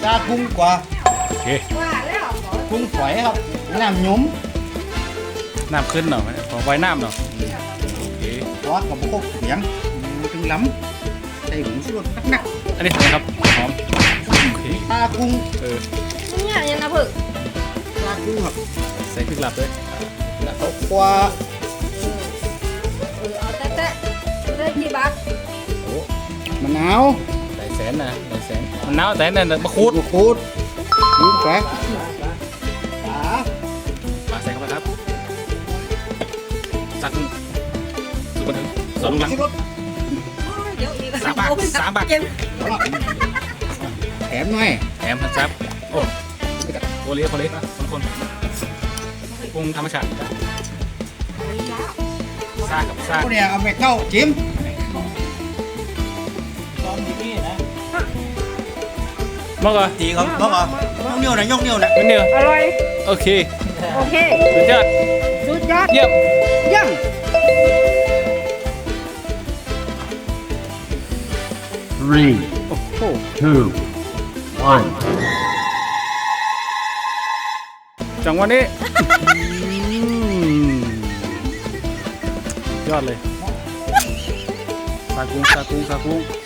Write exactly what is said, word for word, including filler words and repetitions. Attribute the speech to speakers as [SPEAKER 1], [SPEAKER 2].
[SPEAKER 1] ซากุ้งกว่า
[SPEAKER 2] โอเค
[SPEAKER 3] ว่าแล้ว
[SPEAKER 1] กุ้งฝอยครับน้ำหยุ้ม
[SPEAKER 2] น้ำขึ้นหน่อยขอไว้น้ำหน่อยโอเค
[SPEAKER 1] ซอสกับพวกเสียงถึงล้ำใส่หมูสุรสนัก
[SPEAKER 2] อันนี้อะไรครับหอมโอเค
[SPEAKER 1] ๆซากุ้ง
[SPEAKER 2] เออ
[SPEAKER 3] เนี่ยยังนะเพิ่ง
[SPEAKER 1] ซากุ้งครับ
[SPEAKER 2] ใส่พริกหลับด้วย
[SPEAKER 1] แล้วก็กว่า
[SPEAKER 3] เออเอาแตะแตะได้กี่บาท
[SPEAKER 1] โอ้มะนาว
[SPEAKER 2] หลายแสนนะหลายแสนมันน้าวแต่เนี่ยมะคูด
[SPEAKER 1] มะคูดนิ้วแฝงขา
[SPEAKER 2] ปลาใส่เข้าไปครับสักสุกมาถึงสองหลัง
[SPEAKER 1] สุรส
[SPEAKER 3] เดี๋ยวอีก
[SPEAKER 2] สามบาทสามบาท
[SPEAKER 1] แถมหน่อย
[SPEAKER 2] แถมครับโอ้โคเลียโคเลียบางคนปรุงธรรมชาติซ่ากับซ่า
[SPEAKER 1] พวกเนี่ยเอาไปเข้าจิ้ม
[SPEAKER 2] มากเหรอ
[SPEAKER 1] จีเขาเขาบอกยกนิ้วนะยกนิ้วนะ
[SPEAKER 2] เป็นเดียว
[SPEAKER 3] อร่อย
[SPEAKER 2] โอเค
[SPEAKER 3] โอเค
[SPEAKER 2] สุดยอด
[SPEAKER 3] สุดยอด
[SPEAKER 2] เยี่ยม
[SPEAKER 3] เยี่ยม
[SPEAKER 4] Three,
[SPEAKER 2] โอ้โห
[SPEAKER 4] two, one.
[SPEAKER 2] จังหวะนี้ยอดเลยซากุ้งซากุ้งซากุ้ง